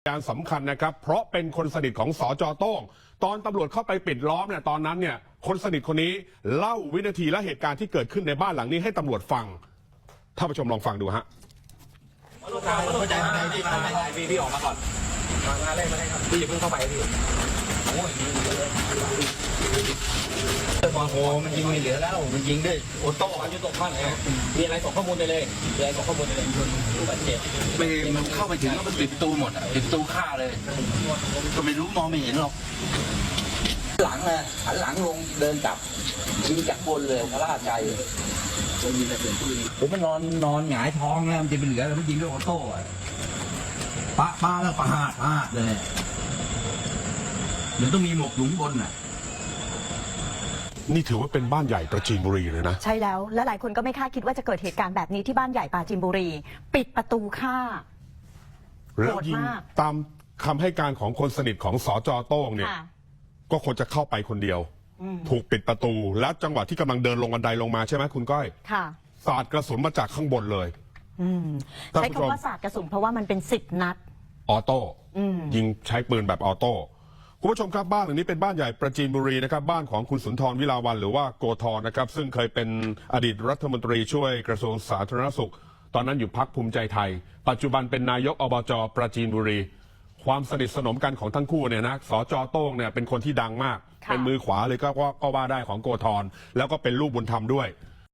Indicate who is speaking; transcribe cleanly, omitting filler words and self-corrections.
Speaker 1: การสำคัญนะครับเพราะเป็นคนสนิทของสจ.โต้งตอนตำรวจเข้าไปปิดล้อมเนี่ยตอนนั้นเนี่ยคนสนิทคนนี้เล่าวินาทีและเหตุการณ์ที่เกิดขึ้นในบ้านหลังนี้ให้ตำรวจฟังท่านผู้ชมลองฟังดูฮะ
Speaker 2: เข้าใจพี่ออกมาก่อนมาเล่นมาเล่นครับพี่อย่าเพิ่งเข้าไปพี่โอ้ยโอ้โหมันยิงไม่เหลือแล้วมันยิงด้วยโอโต้ยุตกบ้านเลยมีอะไรส่งข้อมูลไปเลยมีอะไรส่งข้อมูลไปเลยผู้บาดเจ็บ
Speaker 3: มันเข้าไปถึงแล้วมันปิดประตูหมดปิดประตูฆ่าเลยก็ไม่รู้มองไม่เห็นหรอก
Speaker 2: หลังนะหันหลังลงเดินกลับยิงจากบนเลยพระราชใจผมมันนอนหงายท้องแล้วมันจะเป็นเหลือแล้วมันยิงด้วยโอโต้ป้าแล้วปาดเลยมันต้องมีหมวกหลุมบนน่ะ
Speaker 1: นี่ถือว่าเป็นบ้านใหญ่ประจีนบุรีเลยนะ
Speaker 4: ใช่แล้วและหลายคนก็ไม่คาดคิดว่าจะเกิดเหตุการณ์แบบนี้ที่บ้านใหญ่ปราจีนบุรีปิดประตูฆ่า
Speaker 1: แล้วยิงตามคำให้การของคนสนิทของสจ.โต้งเนี่ยก็ควรจะเข้าไปคนเดียวถูกปิดประตูแล้วจังหวะที่กำลังเดินลงบันไดลงมาใช่ไหมคุณก้อย
Speaker 4: ค่ะ
Speaker 1: สาดกระสุนมาจากข้างบนเลย
Speaker 4: ใช้คำว่าสาดกระสุนเพราะว่ามันเป็น10 นัด
Speaker 1: ออโต้ยิงใช้ปืนแบบออโต้คุณผู้ชมครับบ้านหลังนี้เป็นบ้านใหญ่ประจีนบุรีนะครับบ้านของคุณสุนทรวิลาวัลย์หรือว่าโกธรนะครับซึ่งเคยเป็นอดีตรัฐมนตรีช่วยกระทรวงสาธารณสุขตอนนั้นอยู่พรรคภูมิใจไทยปัจจุบันเป็นนายกอบจ.ประจีนบุรีความสนิทสนมกันของทั้งคู่เนี่ยนะสจ.โต้งเนี่ยเป็นคนที่ดังมากเป็นมือขวาเลยก็ว่าได้ของโกธรแล้วก็เป็นลูกบุญธรรมด้วย